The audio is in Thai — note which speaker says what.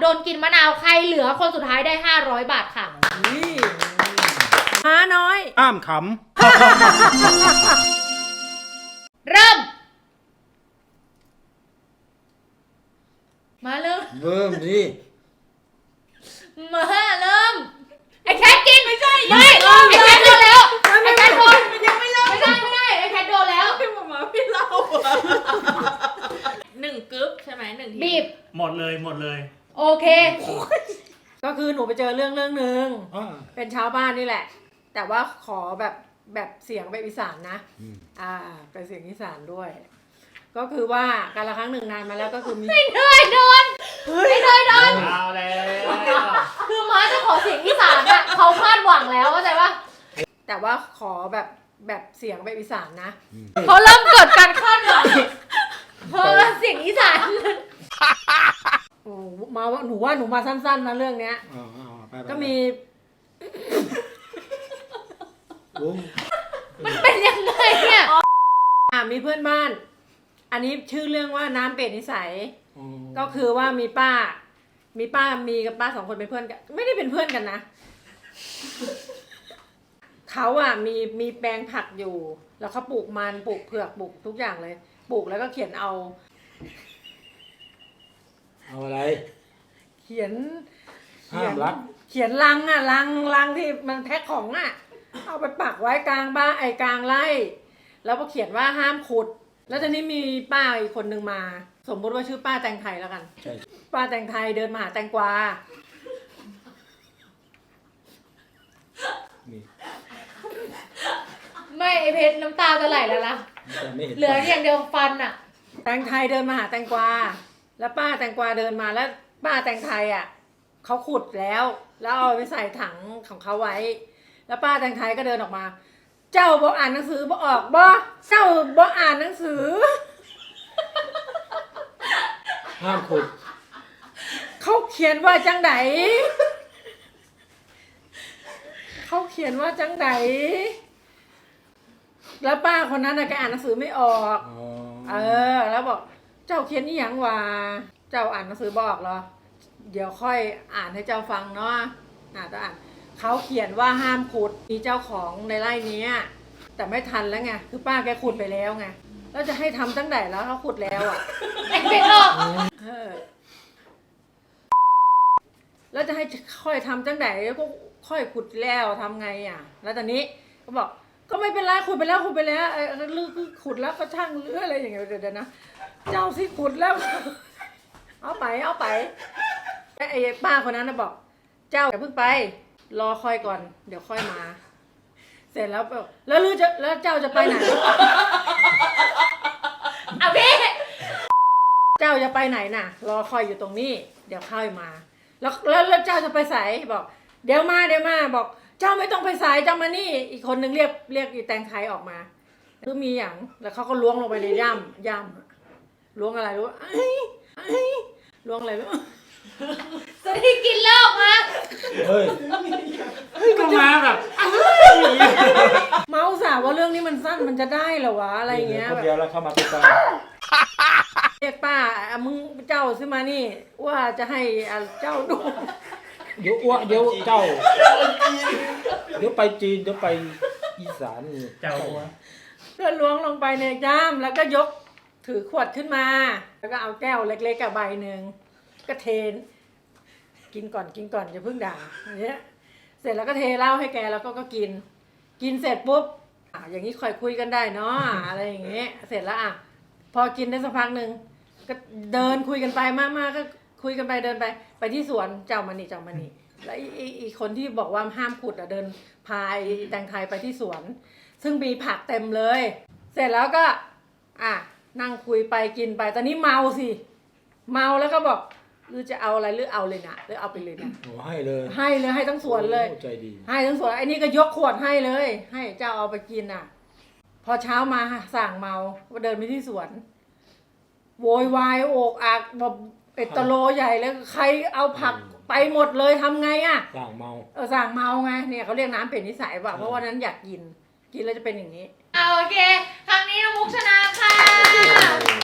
Speaker 1: นกินมะนาวใครเหลือคนสุดท้ายได้500 บาทค่ะ
Speaker 2: ม้าน้อย
Speaker 3: ห้ามข
Speaker 1: เริ่มมาเริ่ม
Speaker 3: ดิ
Speaker 1: มาเริ่มไอ้แคทกินไม่ใช่ไอ้แคทโดนแล้วไอ้แคทโดนยังไม่เริ่มไม่ได้ไอ้แคทโดนแล้ว
Speaker 2: พี่หมาพี่เล่า1 กึ๊บใช่ไหม1 ที
Speaker 1: บีบ
Speaker 3: หมดเลย
Speaker 1: โอเค
Speaker 2: ก็คือหนูไปเจอเรื่องหนึ่งเป็นชาวบ้านนี่แหละแต่ว่าขอแบบเสียงแบบอีสานนะเป็นเสียงอีสานด้วย ก็คือว่าการละครั้งหนึ่งนานมาแล้วก็คือมี
Speaker 1: ไม่เคยโดน
Speaker 3: เอาแล้ว
Speaker 1: คือม้าจะขอเสียงอีสานอ่ะเขาคาดหวังแล้วเข้าใจปะ
Speaker 2: แต่ว่าขอแบบเสียงแบบอีสานนะ
Speaker 1: เขาเริ่มเกิดการคาดหวังเพราะเสียงอีสาน
Speaker 2: โอ้มาหนูมาสั้นๆนะเรื่องเนี้ยก็มี
Speaker 1: มันเป็นยังไงเนี่ย
Speaker 2: มีเพื่อนบ้านอันนี้ชื่อเรื่องว่าน้ำเป็ดนิสัยก็คือว่ามีป้ามีกับป้า2 คนเป็นเพื่อนกันไม่ได้เป็นเพื่อนกันนะเขามีแปลงผักอยู่แล้วเขาปลูกมันปลูกเผือกปลูกทุกอย่างเลยปลูกแล้วก็เขียนเอา
Speaker 3: อะไร
Speaker 2: เขียน
Speaker 3: รัก
Speaker 2: เขียนลังที่มันแพ็คของเอาไปปักไว้กลางบ้านกลางไร่แล้วก็เขียนว่าห้ามขุดแล้วตอนนี้มีป้าอีกคนนึงมาสมมติว่าชื่อป้าแตงไทยแล้วกันป้าแตงไทยเดินมาหาแตงกวา
Speaker 1: ไม่ไอเพชรน้ำตาจะไหลแล้วล่ะเหลืออย่างเดียวฟันอ่ะ
Speaker 2: แตงไทยเดินมาหาแตงกวาแล้วป้าแตงกวาเดินมาแล้วป้าแตงไทยเขาขุดแล้วเอาไปใส่ถังของเขาไว้แล้วป้าแตงไทยก็เดินออกมาเจ้าบ่อ่านหนังสือบ่ออกบ่เจ้าบ่อ่านหนังสือ
Speaker 3: ห้ามขุด
Speaker 2: เขาเขียนว่าจังไดแล้วป้าคนนั้นแกอ่านหนังสือไม่ออกแล้วบอกเจ้าเขียนนี่หยังวะเจ้าอ่านหนังสือบ่ออกเหรอเดี๋ยวค่อยอ่านให้เจ้าฟังเนาะต้องอ่านเขาเขียนว่าห้ามขุดมีเจ้าของในไร่นี้แต่ไม่ทันแล้วไงคือป้าแกขุดไปแล้วไงแล้วจะให้ทำตั้งแต่แล้วเขาขุดแล้ว
Speaker 1: ไม่ออก
Speaker 2: แล้วจะให้ค่อยทำตั้งแต่ก็ค่อยขุดแล้วทำไงแล้วตอนนี้ก็บอกก็ไม่เป็นไรขุดไปแล้วลือขุดแล้วก็ช่างเลืออะไรอย่างเงี้ยเดี๋ยวนะเจ้าสิขุดแล้วเอาไปไอ้ป้าคนนั้นบอกเจ้าอย่าเพิ่งไปรอค่อยก่อนเดี๋ยวค่อยมาเสร็จแล้วแล้วเจ้าจะไปไหน
Speaker 1: พี่
Speaker 2: เจ้าจะไปไหนน่ะรอคอยอยู่ตรงนี้เดี๋ยวค่อยมาแล้วเจ้าจะไปไสบอกเดี๋ยวมาบอกเจ้าไม่ต้องไปไสเจ้ามานี่อีกคนนึงเรียกอีแตงไทยออกมาคือมีอย่างแล้วเขาก็ล้วงลงไปในย่ำล้วงอะไรรู้ล้วงอะไรรู้
Speaker 1: จะได้กินเลิกมา
Speaker 3: เฮ้ยก็มาแบบ
Speaker 2: เมาสาว่าเรื่องนี้มันสั้นมันจะได้เหรอวะอะไรเงี้ย
Speaker 3: คนเดียวแล้วเข้ามาติดตาม
Speaker 2: เรียกป้ามึงเจ้าซื้อมานี่ว่าจะให้เจ้าดู
Speaker 3: เดี๋ยวเจ้าเดี๋ยวไปจีนเดี๋ยวไปอีสานเจ้า
Speaker 2: ก็ล้วงลงไปในย่ำแล้วก็ยกถือขวดขึ้นมาแล้วก็เอาแก้วเล็กๆกับใบหนึ่งก็เทกินก่อนอย่าเพิ่งด่าอย่างเงี้ยเสร็จแล้วก็เทเหล้าให้แกแล้วก็กินเสร็จปุ๊บอย่างนี้ค่อยคุยกันได้เนาะอะไรอย่างเงี้ยเสร็จแล้วพอกินได้สักพักหนึ่งก็เดินคุยกันไปมากๆก็คุยกันไปเดินไปที่สวนเจ้ามานี่แล้วอีกคนที่บอกว่าห้ามขุดเดินพาแตงไทยไปที่สวนซึ่งมีผักเต็มเลยเสร็จแล้วก็นั่งคุยไปกินไปตอนนี้เมาแล้วก็บอกหรือจะเอาอะไรหรือเอาเลยนะหรือเอาไปเลยนะ
Speaker 3: ให้เลย
Speaker 2: ให้ทั้งสวนเลย
Speaker 3: ใจดี
Speaker 2: ให้ทั้งสวนไอ้นี่ก็ยกขวดให้เลยให้เจ้าเอาไปกินพอเช้ามาสั่งเมาก็เดินไปที่สวนโวยวายโอกอักแบบตะโลใหญ่เลยใครเอาผักไปหมดเลยทำไง
Speaker 3: สั่งเมา
Speaker 2: สั่งเมาไงเนี่ยเขาเรียกน้ำเป็ดนิสัยป่ะเพราะว่านั้นอยากกินแล้วจะเป็นอย่างนี้
Speaker 1: โอเคครั้งนี้น้องมุกชนะค่ะ